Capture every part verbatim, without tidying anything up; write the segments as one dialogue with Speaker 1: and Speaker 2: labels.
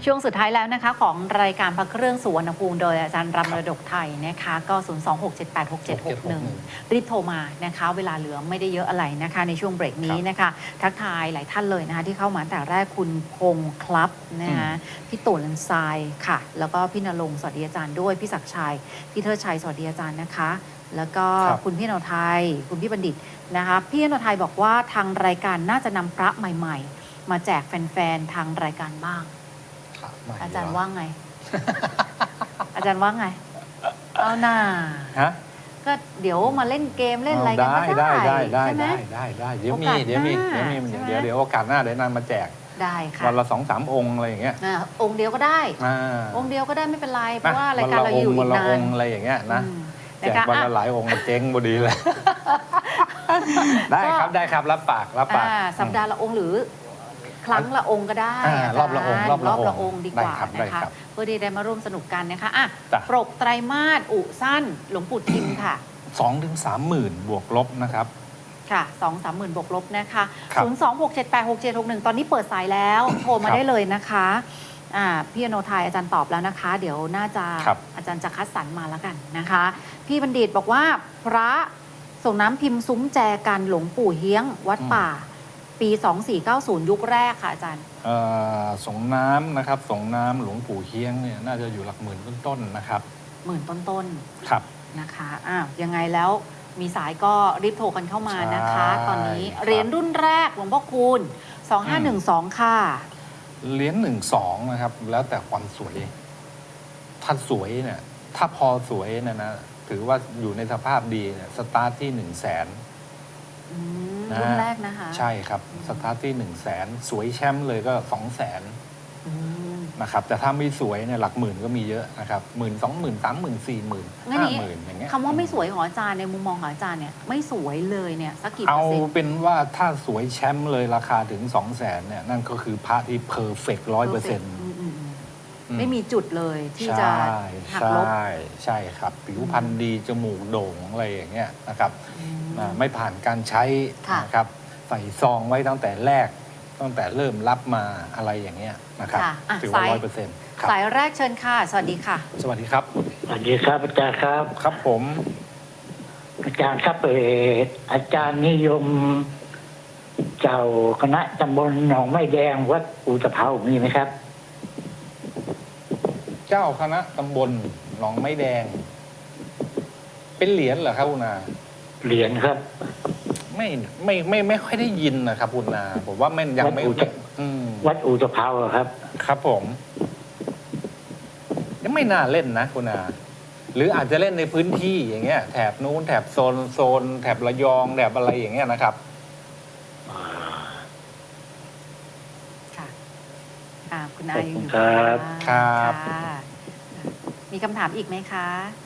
Speaker 1: ช่วงสุดท้ายแล้วนะคะของรายการพระเครื่องสุวรรณภูมิโดยอาจารย์รำระดกไทยนะคะก็ ศูนย์ สอง หก เจ็ด แปด หก เจ็ด หก หนึ่ง รีบโทรมานะคะเวลาเหลือไม่ได้เยอะอะไรนะคะในช่วงเบรกนี้นะคะทักทายหลายท่านเลยนะคะที่เข้ามาแต่แรกคุณพงษ์ครับนะคะพี่ตุลทรายค่ะแล้วก็พี่ณรงค์สวัสดีอาจารย์ด้วยพี่ศักดิ์ชัยพี่เทิดชัยสวัสดีอาจารย์นะคะแล้วก็คุณพี่นนทไทยคุณพี่บัณฑิตนะคะพี่นนทไทยบอกว่าทางรายการน่าจะนำพระใหม่ๆมาแจกแฟนๆทางรายการบ้างอาจารย์ว่าไง อาจารย์ว่าไงเอาหน้าฮะก็เดี๋ยวมาเล่นเกมเล่นอะไรกันก็ได้
Speaker 2: ได้ได้
Speaker 1: ได้
Speaker 2: ได้ได้ได้เดี๋ยวมีเดี๋ยวมีเดี๋ยวมีเดี๋ยวเดี๋ยวโอกาสหน้าเดี๋ยวนำมาแจก
Speaker 1: ได้ค่ะ
Speaker 2: วันละสองสามองค์อะไรอย่างเงี้ย
Speaker 1: องค์เดียวก็ได้องค์เดียวก็ได้ไม่เป็นไรเพราะว่ารายการเราอยู่อีกนาน
Speaker 2: อะไรอย่างเงี้ยนะแจกวันละหลายองค์เจ๊งพอดีเลยได้ครับได้ครับรับปากรับปาก
Speaker 1: สัปดาห์ละองค์หรือครั้งละองค์ก็ได้
Speaker 2: รอบละองค์รอบ
Speaker 1: ละองค์ดีกว่านะคะเพื่อที่ได้มาร่วมสนุกกันนะคะอ่ะปกไตรมาสอุสั้นหลวงปู่ทิมค่ะ
Speaker 2: สองถึงสามหมื่นบวกลบนะครับ
Speaker 1: ค่ะสองสามหมื่นบวกลบนะคะศูนย์สองหกเจ็ดแปดหกเจ็ดหกหนึ่งตอนนี้เปิดสายแล้วโทรมาได้เลยนะคะอ่าพี่อโนไทยอาจารย์ตอบแล้วนะคะ เดี๋ยวน่าจะอาจารย์จะคัดสรรมาแล้วกันนะคะพี่บัณฑิตบอกว่าพระส่งน้ำพิมพ์ซุ้มแจกันหลวงปู่เฮี้ยงวัดป่าปีสองสี่เก้าศูนย์ยุคแรกค่ะอาจารย์
Speaker 2: ส่งน้ำนะครับส่งน้ำหลวงปู่เฮี้ยงเนี่ยน่าจะอยู่หลักหมื่นต้นๆนะครับ
Speaker 1: หมื่นต้น
Speaker 2: ๆครับ
Speaker 1: นะคะอ้าวยังไงแล้วมีสายก็รีบโทรกันเข้ามานะคะตอนนี้เหรียญรุ่นแรกหลวงพ่อคูณสองห้าหนึ่งสองค่ะ
Speaker 2: เหรียญหนึ่งสองนะครับแล้วแต่ความสวยถ้าสวยเนี่ยถ้าพอสวยเนี่ยนะถือว่าอยู่ในสภาพดีเนี่ยสตาร์ทที่หนึ่งแสน
Speaker 1: รุ่นแรกนะคะ
Speaker 2: ใช่ครับสตาร์ทที่หนึ่งแสนสวยแชมป์เลยก็สองแสนนะครับแต่ถ้าไม่สวยเนี่ยหลักหมื่นก็มีเยอะนะครับหมื่นสองหมื่นสามหมื่นสี่หมื่นห้าหมื่นอย่างเงี้ย
Speaker 1: คำว่าไม่สวยของอาจารย์ในมุมมองของอาจารย์เนี่ยไม่สวยเลยเนี่ยสักกี่เปอ
Speaker 2: ร์
Speaker 1: เซ็นต์
Speaker 2: เอาเป็นว่าถ้าสวยแชมป์เลยราคาถึงสองแสนเนี่ยนั่นก็คือพระที่เพอร์เฟกต์ร้อยเปอร์เซ็นต์
Speaker 1: ไม่มีจุดเลยที่จะหักลบ
Speaker 2: ใช่ใช่ครับผิวพรรณดีจมูกโด่งอะไรอย่างเงี้ยนะครับไม่ผ่านการใช้นะครับใส่ซองไว้ตั้งแต่แรกตั้งแต่เริ่มรับมาอะไรอย่างเงี้ยนะครับถือว่าร้อยเปอร์เซ็นต์
Speaker 1: สายแรกเชิญค่ะสวัสดีค่ะ
Speaker 2: สวัสดีครับ
Speaker 3: สวัสดีครับอาจารย์ครับ
Speaker 2: ครับผม
Speaker 3: อาจารย์ครับเอออาจารย์นิยมเจ้าคณะตำบลหนองไม้แดงวัดอู่ตะเภามีไหมครับ
Speaker 2: เจ้าคณะตำบลหนองไม้แดงเป็นเหรียญเหรอครับคุณนา
Speaker 3: เหรียญครับ
Speaker 2: ไม่ไม่ไม่ไม่ค่อยได้ยินนะครับคุณนาผมว่าไม่ยังไม่
Speaker 3: วัดอู่ตะเภาครับ
Speaker 2: ครับผมยังไม่น่าเล่นนะคุณนาหรืออาจจะเล่นในพื้นที่อย่างเงี้ยแถบนู้นแถบโซนโซนแถบระยองแถบอะไรอย่างเงี้ยนะครับ
Speaker 1: ค่ะคุณนาอยู่
Speaker 3: ครับ
Speaker 2: ครับ
Speaker 1: มีคำถามอีกไหมคะ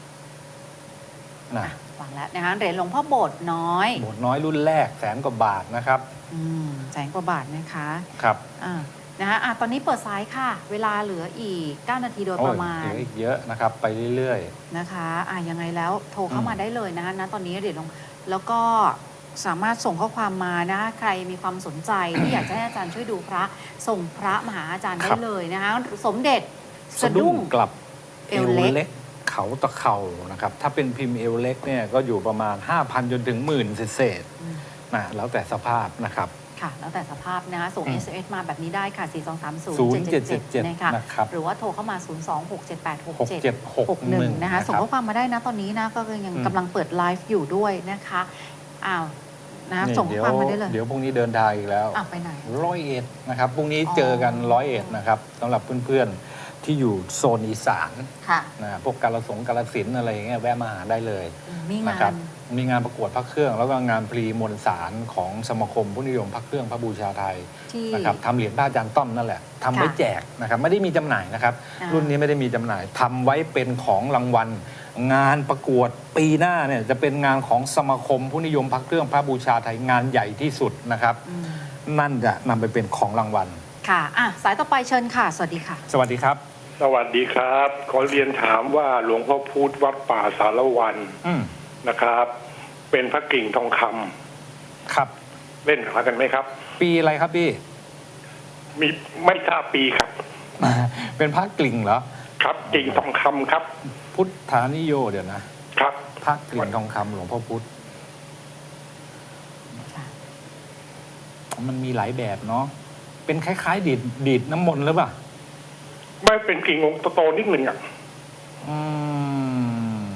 Speaker 1: นะฟังแล้วนะคะเหรียญหลวงพ่อโบสถ์น้อย
Speaker 2: โบสถ์น้อยรุ่นแรกแสนกว่าบาทนะครับ
Speaker 1: อืมแสนกว่าบาทนะคะ
Speaker 2: ครับ
Speaker 1: อ่านะคะอ่ะตอนนี้เปิดสายค่ะเวลาเหลืออีกเก้านาทีโดยประมาณ
Speaker 2: เหลืออีกเยอะนะครับไปเรื่อย
Speaker 1: ๆนะคะอ่ะยังไงแล้วโทรเข้ามาได้เลยนะคะณตอนนี้เหรียญหลวงแล้วก็สามารถส่งข้อความมานะใครมีความสนใจที่อยากจะให้อาจารย์ช่วยดูพระส่งพระมาหาอาจารย์ได้เลยนะคะสมเด็จ
Speaker 2: สะดุ้งกลับเอวเล็กเขาตะเข่านะครับถ้าเป็นพิมพ์เอวเล็กเนี่ยก็อยู่ประมาณ ห้าพัน จนถึงหมื่นเศษๆนะแล้วแต่สภาพนะครับ
Speaker 1: ค่ะแล้วแต่สภาพนะคะส่ง เอส เอ็ม เอส มาแบบนี้ได้ค่ะสี่ สอง สาม ศูนย์ เจ็ด เจ็ด เจ็ดนะคะหรือว่าโทรเข้ามา ศูนย์ สอง หก เจ็ด แปด หก เจ็ด หก หนึ่ง นะคะส่งข้อความมาได้นะตอนนี้นะก็ยังกำลังเปิดไลฟ์อยู่ด้วยนะคะอ้าวนะส่งข้อความมาได้เลย
Speaker 2: เดี๋ยวพรุ่งนี้เดินทางอีกแล้ว
Speaker 1: ไปไหน
Speaker 2: ร้อยเอ็ดนะครับพรุ่งนี้เจอกันร้อยเอ็ดนะครับสำหรับเพื่อนๆที่อยู่โซนอีสานนะพวกกาฬสงกาฬสินธุ์อะไรอย่างเงี้ยแวะมาหาได้เลยนะครับมีงานประกวดพระเครื่องแล้วก็งานพรีมวลสารของสมาคมผู้นิยมพระเครื่องพระบูชาไทยนะครับทำเหรียญพระอาจารย์ต้อมนั่นแหละทำไว้แจกนะครับไม่ได้มีจำหน่ายนะครับรุ่นนี้ไม่ได้มีจำหน่ายทำไว้เป็นของรางวัลงานประกวดปีหน้าเนี่ยจะเป็นงานของสมาคมผู้นิยมพระเครื่องพระบูชาไทยงานใหญ่ที่สุดนะครับนั่นจะนำไปเป็นของรางวัล
Speaker 1: ค่ะอ่ะสายต่อไปเชิญค่ะสวัสดีค่ะ
Speaker 2: สวัสดีครับ
Speaker 4: สวัสดีครับขอเรียนถามว่าหลวงพ่อพุธวัดป่าสารวันนะครับเป็นพระกิ่งทองค
Speaker 2: ำครับ
Speaker 4: เล่นหากันไหมครับ
Speaker 2: ปีอะไรครับพี่
Speaker 4: มีไม่ทราบปีครับ
Speaker 2: เป็นพระกลิ่งเหรอ
Speaker 4: ครับกิ่งทองคำครับ
Speaker 2: พุทธานิโยเดี๋ยวนะครับ พระกลิ่งทองคำหลวงพ่อพุธมันมีหลายแบบเนาะเป็นคล้ายๆดีดดีดน้ำมนต์หรือเปล่า
Speaker 4: ไม่เป็นกิ่งองค์โตๆนิดหนึ่งอ่ะ
Speaker 2: อืม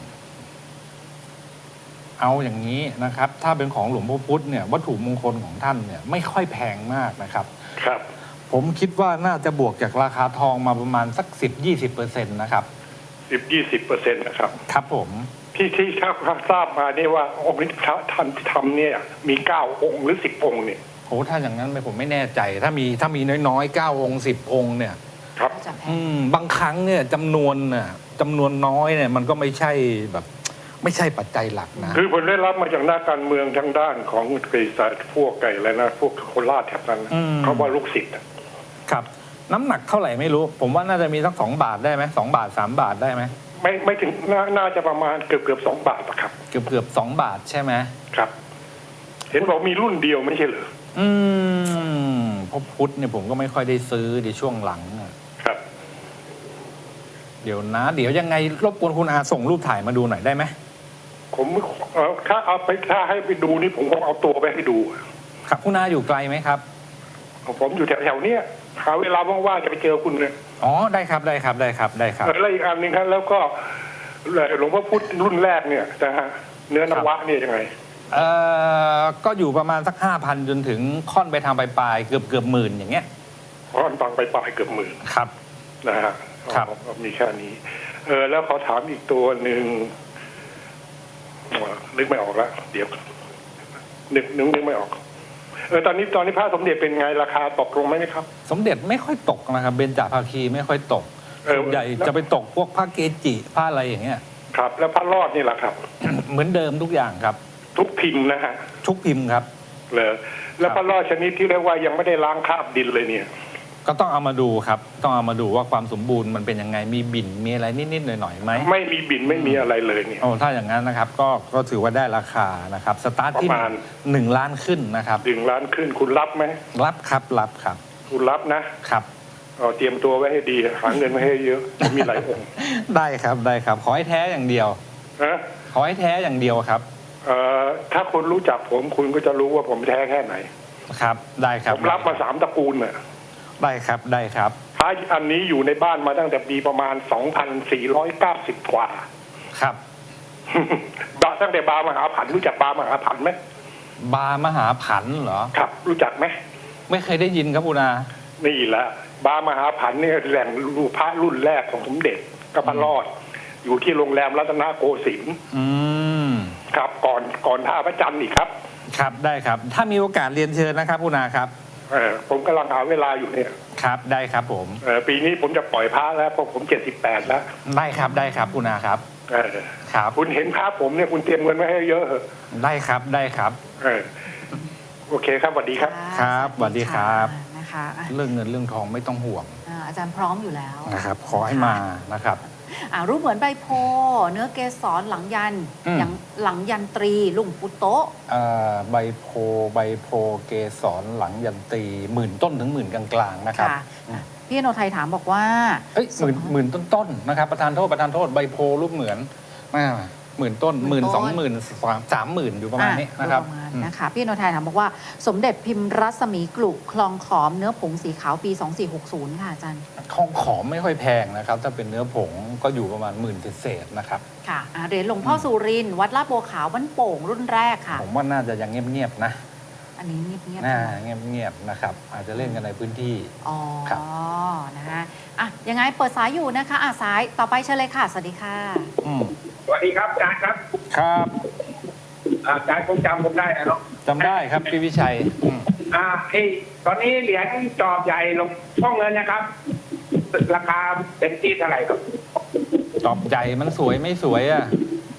Speaker 2: เอาอย่างนี้นะครับ ถ้าเป็นของหลวงพ่อพุธเนี่ยวัตถุมงคลของท่านเนี่ยไม่ค่อยแพงมากนะครับ
Speaker 4: ครับ
Speaker 2: ผมคิดว่าน่าจะบวกจากราคาทองมาประมาณสักสิบยี่สิบเปอร์เซ็นต์นะครับ
Speaker 4: สิบยี่สิบเปอร์เซ็นต์นะครับ
Speaker 2: ครับผม
Speaker 4: ที่ที่ทราบมาเนี่ยว่าองค์นี้พระท่านที่ทำเนี่ยมีเก้าองค์หรือสิบองค์เนี่ย
Speaker 2: โอ้ถ้าอย่างนั้นผมไม่แน่ใจ ถ้ามีถ้ามีน้อยๆเก้าองค์สิบองค์เนี่ย
Speaker 4: ครับ
Speaker 1: จะแพ
Speaker 2: อื
Speaker 1: ง
Speaker 2: มบางครั้งเนี่ยจำนวนน่ะจำนวนน้อยเนี่ยมันก็ไม่ใช่แบบ ไม่ใช่ปัจจัยหลักนะ
Speaker 4: คือผมได้รับมาจากนักการเมืองทางด้านของไก่สายพวกไก่อะไรนะพวกโคราชแถบนั้นนะ
Speaker 2: อืม
Speaker 4: เขาว่าลูกศิษย์อะ
Speaker 2: ครับ น้ำหนักเท่าไหร่ไม่รู้ ผมว่าน่าจะมีสักสองบาทได้ไหมสองบาทสามบาทได้ไหม
Speaker 4: ไม่ไม่ถึงนาน่าจะประมาณเกือบเกือบสองบาทอะครับ
Speaker 2: เกือบเกือบสองบาทใช่ไหม
Speaker 4: ครับ เห็นบอกมีรุ่นเดียวไม่ใช่เหรอ
Speaker 2: อืมพอพุทธเนี่ยผมก็ไม่ค่อยได้ซื้อในช่วงหลังอะ
Speaker 4: ครับ
Speaker 2: เดี๋ยวนะ เดี๋ยวยังไงรบกวนคุณอาส่งรูปถ่ายมาดูหน่อยได้ไหม
Speaker 4: ผมเอ่อถ้าเอาไปถ้าให้ไปดูนี่ผมคงเอาตัวไปให้ดู
Speaker 2: ครับคุณอาอยู่ไกลไหมครับ
Speaker 4: ผมอยู่แถวๆเนี้ยหาเวลาว่างๆจะไปเจอคุณเลย
Speaker 2: อ๋อได้ครับได้ครับได้ครับได้ครับ
Speaker 4: แล้วอีกอันหนึงครับแล้วก็หลวงพ่อพุธรุ่นแรกเนี่ยนะฮะเนื้อนวะเนี่ยยังไง
Speaker 2: เอ่อก็อยู่ประมาณสักห้าพันจนถึงค่อนไปทางปลายๆเกือบเกือบหมื่นอย่างเงี้ย
Speaker 4: เพราะมันฟังไปปลายเกือบหมื่น
Speaker 2: ครับ
Speaker 4: นะฮะ
Speaker 2: ครับ
Speaker 4: อ๋อมีแค่นี้ เออแล้วขอถามอีกตัวหนึ่งอ๋อนึกไม่ออกแล้วเดี๋ยวนึกนึกนึกไม่ออก เออตอนนี้ตอนนี้พระสมเด็จเป็นไงราคาตกลงไหมครับ
Speaker 2: สมเด็จไม่ค่อยตกนะครับเบญจภาคีไม่ค่อยตก
Speaker 4: เออ
Speaker 2: ส่วนใหญ่จะไปตกพวกผ้าเกจิผ้าอะไรอย่างเงี้ย
Speaker 4: ครับ แล้วพระรอดนี่แหละครับ
Speaker 2: เหมือนเดิมทุกอย่างครับ
Speaker 4: ทุกพิมพ์นะฮะ
Speaker 2: ทุกพิมพ์ครับ
Speaker 4: เลยแล้วพระรอดชนิดที่เรียกว่ายังไม่ได้ล้างคราบดินเลยเนี่ย
Speaker 2: ก็ต้องเอามาดูครับ ต้องเอามาดูว่าความสมบูรณ์มันเป็นยังไงมีบิ่นมีอะไรนิดๆหน่อยๆไหม
Speaker 4: ไม่มีบินไม่มีอะไรเลยเนี่ย
Speaker 2: โอ้ถ้าอย่างนั้นนะครับ ก็ก็ถือว่าได้ราคานะครับ สตาร์ทที่
Speaker 4: ประมาณ
Speaker 2: หนึ่งล้านขึ้นนะครับ
Speaker 4: ดึงล้านขึ้นคุณรับไหม
Speaker 2: รับครับรับครับ
Speaker 4: คุณรับนะครับ เอาเตรียมตัวไว้ให้ดีหาเงินไว้ให้เยอะมีหลายองค์
Speaker 2: ได้ครับได้ครับ ขอให้แท้อย่างเดียว
Speaker 4: นะ
Speaker 2: ขอให้แท้อย่างเดียวครับ
Speaker 4: เอ่อถ้าคุณรู้จักผมคุณก็จะรู้ว่าผมแท้แค่ไหน
Speaker 2: ครับ ได้ครับ
Speaker 4: ผมรับมาสามตระกูลน่ะ
Speaker 2: ได้ครับได้ครับ
Speaker 4: พระอันนี้อยู่ในบ้านมาตั้งแต่ปีประมาณสองพันสี่ร้อยเก้าสิบกว่า
Speaker 2: ครับ
Speaker 4: บาตั้งแต่บามหาผันรู้จักบามหาผันไหม
Speaker 2: บาร์มหาผันเหรอ
Speaker 4: ครับ รู้จักไหม
Speaker 2: ไม่เคยได้ยินครับคุณอา
Speaker 4: นี่แหละบามหาผันเนี่ยแหล่งรูปพระรุ่นแรกของสมเด็จก็พระรอด อยู่ที่โรงแรมรัตนโกสินทร์
Speaker 2: อืม
Speaker 4: ครับก่อนก่อนท่าพระจันทร์อีกครับ
Speaker 2: ครับได้ครับ ถ้ามีโอกาสเรียนเชิญนะครับคุณอาครับ
Speaker 4: เออผมกำลังหาเวลาอยู่เนี่ย
Speaker 2: ครับได้ครับผม
Speaker 4: เออปีนี้ผมจะปล่อยพระแล้วเพราะผมเจ็ดสิบแปดแล้ว
Speaker 2: ได้ครับได้ครับคุณอาครับ
Speaker 4: เออ
Speaker 2: ครับ
Speaker 4: คุณเห็นพระผมเนี่ยคุณเตรียมเงินไว้ให้เยอะเหอะ
Speaker 2: ได้ครับได้ครับ
Speaker 4: เออโอเคครับสวัสดีครับ
Speaker 2: ครับสวัสดีครับ
Speaker 1: นะคะอ่ะ
Speaker 2: เรื่องเงินเรื่องทองไม่ต้องห่วง
Speaker 1: อ่าอาจารย์พร้อมอยู่แล้ว
Speaker 2: นะครับ ขอให้มานะครับ
Speaker 1: อ่ารูปเหมือนใบโพธิ์เนื้อเกสรหลังยัน
Speaker 2: อืม
Speaker 1: อย่างหลังยันตรีลุงปุโตะ
Speaker 2: เอ่อใบโพใบโพเกสรหลังยันตีหมื่นต้นถึงหมื่นกลางๆนะครับ
Speaker 1: ค่ะอ่ะพี่อโนไทยถามบอกว่า
Speaker 2: เอ้ยหมื่นหมื่นต้นๆนะครับประธานโทษประธานโทษใบโพรูปเหมือนอ่าหมื่นต้นหมื่นสองหมื่นสามสามหมื่นอยู่ประมาณนี้นะครับ
Speaker 1: ประมาณ
Speaker 2: อืม
Speaker 1: นะคะพี่อโนไทยถามบอกว่า สมเด็จพิมพ์รัศมีกลุคลองขอมเนื้อผงสีขาวปี สองสี่หกศูนย์ ค่ะอาจารย์
Speaker 2: ทองขอมไม่ค่อยแพงนะครับ ถ้าเป็นเนื้อผงก็อยู่ประมาณหมื่นเศษๆนะครับ
Speaker 1: ค่ะอ่ะเหรียญหลวงพ่อสุรินทร์วัดลาดบัวขาวบ้านโป่งรุ่นแรกค่ะ
Speaker 2: ผมว่าน่าจะยังเงียบๆนะ
Speaker 1: อันนี้เงียบๆ
Speaker 2: น่า
Speaker 1: ใช่ไหม
Speaker 2: เงียบๆนะครับ อาจจะเล่นกันในพื้นที่
Speaker 1: อ๋อ
Speaker 2: ครับ
Speaker 1: นะฮะอ่ะยังไงเปิดสายอยู่นะคะอ่ะสายต่อไปเชิญเลยค่ะ สวัสดีค่ะ
Speaker 2: อืม
Speaker 5: สวัสดีครับอาจารย์ครับ
Speaker 2: ครับ
Speaker 5: อาจารย์คงจำผมได้นะเนาะ
Speaker 2: จำได้ครับพี่วิชัยอืม
Speaker 5: อ่าไอ้ตอนนี้เหรียญจอบใหญ่ลงช่องเงินนะครับ ราคาเป็นที่เท่าไหร่ครับ
Speaker 2: ตอบใหญ่มันสวยไม่สวยอ่ะ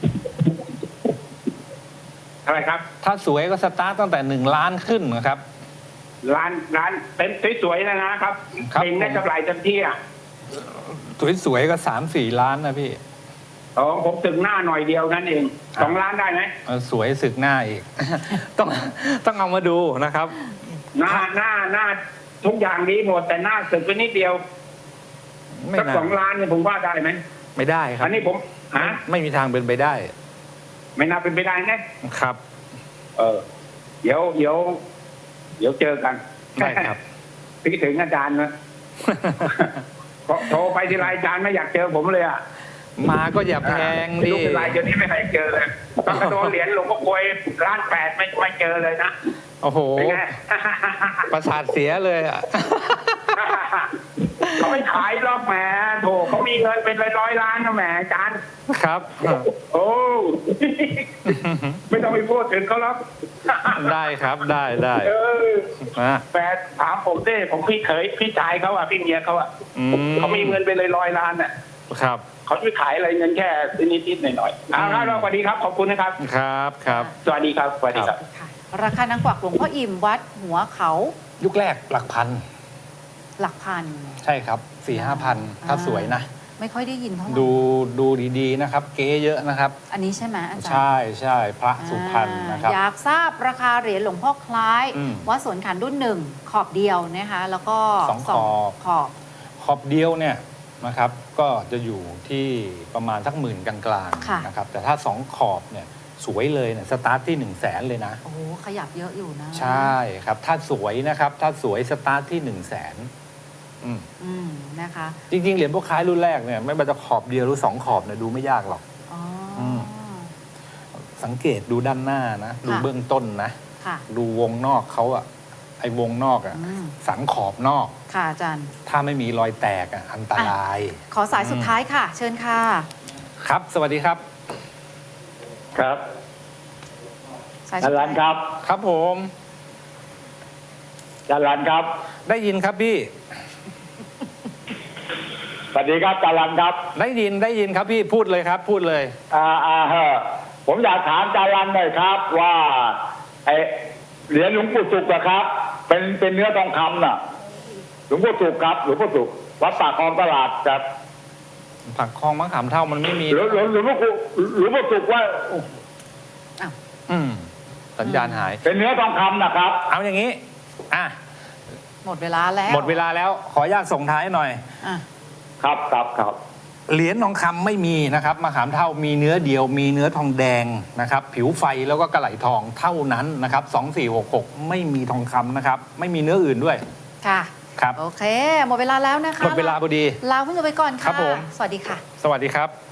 Speaker 5: เท่าไหร่ครับ
Speaker 2: ถ้าสวยก็สตาร์ตตั้งแต่หนึ่งล้านขึ้นนะครับ
Speaker 5: ร้านร้านเป็นสวยๆนะนะครับ
Speaker 2: ครับ
Speaker 5: เป็นได้กำไรเต็มที่อ่ะ
Speaker 2: สวยๆก็สามสี่ล้านนะพี่
Speaker 5: อ๋อผมถึงหน้าหน่อยเดียวนั่นเองสองล้านได้ไหม
Speaker 2: เออสวยสึกหน้าอีก ต้องต้องเอามาดูนะครับ
Speaker 5: หน้าหน้าหน้าทุกอย่างดีหมดแต่หน้าสึกไปนิดเดียว
Speaker 2: ไม่
Speaker 5: สัก
Speaker 2: น่า
Speaker 5: สองล้านเนี่ยผมว่าได้ไหม
Speaker 2: ไม่ได้ครับ
Speaker 5: อันนี้ผมฮะ
Speaker 2: ไม่มีทางเป็นไปได้
Speaker 5: ไม่น่าเป็นไปได้นะครับ เออ เดี๋ยวเดี๋ยวเดี๋ยวเจอกัน
Speaker 2: ได้ครับ
Speaker 5: พี่ถึงอาจารย์นะ โทรไปทีไรอาจารย์ไม่อยากเจอผมเลยอ่ะ
Speaker 2: มาก็อย่าแพง
Speaker 5: ไม่
Speaker 2: ดิ
Speaker 5: รู้เป็นไรเดี๋ยวนี้ไม่เคยเจอเลยตอนกระโดนเหรียญหลวงพ่อกลวยล้านแปดไม่ไม่เจอเลยนะ
Speaker 2: โอ้โห
Speaker 5: เป็นไง
Speaker 2: ประสาทเสียเลยอ่ะ
Speaker 5: เขาไม่ขายหรอกแหมโถเขามีเงินเป็นร้อยๆล้านนะแหมอาจารย์
Speaker 2: ครับ
Speaker 5: โอ้ ไม่ต้องไปพูดถึงเขาหรอก
Speaker 2: ได้ครับได้ได้
Speaker 5: เออ
Speaker 2: นะ
Speaker 5: แฟนถามผมดิผมพี่เขยพี่ชายเขาอ่ะพี่เมียเขาอ่ะ
Speaker 2: อืม
Speaker 5: เขามีเงินเป็นร้อยๆล้านอ่ะ
Speaker 2: ครับ
Speaker 5: เขาไม่ขายอะไรเงินแค่นิดๆหน่อยๆเอาละสวัสดีครับขอบคุณนะครับ
Speaker 2: ครับครับ
Speaker 5: สวัสดีครับสวัสดีครับ
Speaker 1: ค่ะราคานางกวักหลวงพ่ออิ่มวัดหัวเขา
Speaker 2: ยุคแรกหลักพัน
Speaker 1: หลักพัน
Speaker 2: ใช่ครับสี่ห้าพันถ้าสวยนะ
Speaker 1: ไม่ค่อยได้ยินเท่าไหร่
Speaker 2: ดูดูดีๆนะครับ เก๊เยอะนะครับ
Speaker 1: อันนี้ใช่ไหมอาจารย์
Speaker 2: ใช่ใช่พระสุพรรณนะครับ
Speaker 1: อยากทราบราคาเหรียญหลวงพ่อคล้าย
Speaker 2: อืม
Speaker 1: วัดสวนขันรุ่นหนึ่งขอบเดียวนะคะ แล้วก็
Speaker 2: สองขอบ
Speaker 1: ขอบ
Speaker 2: ขอบเดียวเนี่ยนะครับ ก็จะอยู่ที่ประมาณสักหมื่นกลางๆนะครับ แต่ถ้าสองขอบเนี่ยสวยเลยเนี่ยสตาร์ทที่หนึ่งแสนเลยนะ
Speaker 1: โอ้โหขยับเยอะอยู่นะ
Speaker 2: ใช่ครับ ถ้าสวยนะครับ ถ้าสวยสตาร์ทที่หนึ่งแสน
Speaker 1: อืมนะคะ
Speaker 2: จริงๆ เหรียญพวกคล้ายรุ่นแรกเนี่ยไม่ว่าจะขอบเดียวหรือสองขอบเนี่ยดูไม่ยากหรอก
Speaker 1: อ๋ออ
Speaker 2: ม สังเกตดูด้านหน้านะ ดู
Speaker 1: ค่ะ
Speaker 2: เบื้องต้นนะ
Speaker 1: ค่ะ
Speaker 2: ดูวงนอกเขาอะไอ้วงนอกอะ
Speaker 1: อืม
Speaker 2: สันขอบนอก
Speaker 1: ค่ะอาจารย์
Speaker 2: ถ้าไม่มีรอยแตกอะอันตราย
Speaker 1: ขอสายสุดท้ายค่ะ เชิญค่ะ
Speaker 2: ครับ สวัสดีครับ
Speaker 3: ครับ
Speaker 1: สาย
Speaker 3: จา
Speaker 1: สุด
Speaker 3: รั
Speaker 1: ท้าน ย
Speaker 3: ครับ
Speaker 2: ครับผม
Speaker 3: จารันครับ
Speaker 2: ได้ยินครับพี่
Speaker 3: สวัสดีครับจารันครับ
Speaker 2: ได้ยินได้ยินครับพี่พูดเลยครับ พูดเลย
Speaker 3: อ่าอ่าเฮอผมอยากถามจารันหน่อยครับ ว่าไอเหรียญหลวงปู่สุกอะครับ เป็นเป็นเนื้อทองคำน่ะ หลวงปู่สุกครับหลวงปู่สุกวัดปากคลองตลาดครับ
Speaker 2: ผักคลองมะขามเท่ามันไม่มี
Speaker 3: หลวงหลวงหลวงพ่อปู่หลวงพ่อสุกว่า
Speaker 2: อืมสัญญาณหาย
Speaker 3: เป็นเนื้อทองคำนะครับ
Speaker 2: เอาอย่างนี้ อ่ะ
Speaker 1: หมดเวลาแล้ว
Speaker 2: หมดเวลาแล้ว ขออนุญาตส่งท้ายหน่อย
Speaker 1: อ่ะ
Speaker 3: ครับครับครับ
Speaker 2: เหรียญทองคำไม่มีนะครับมะขามเท่ามีเนื้อเดียว มีเนื้อทองแดงนะครับ ผิวไฟแล้วก็กระไหลทองเท่านั้นนะครับสองสี่หกหกไม่มีทองคำนะครับ ไม่มีเนื้ออื่นด้วย
Speaker 1: ค่ะ
Speaker 2: ครับ
Speaker 1: โอเค หมดเวลาแล้วนะคะ
Speaker 2: หมดเวลาพอดี
Speaker 1: ลาคุณผู้ชมไปก่อน
Speaker 2: ครั
Speaker 1: ค่ะ
Speaker 2: บผม
Speaker 1: สวัสดีค่ะ
Speaker 2: สวัสดีครับ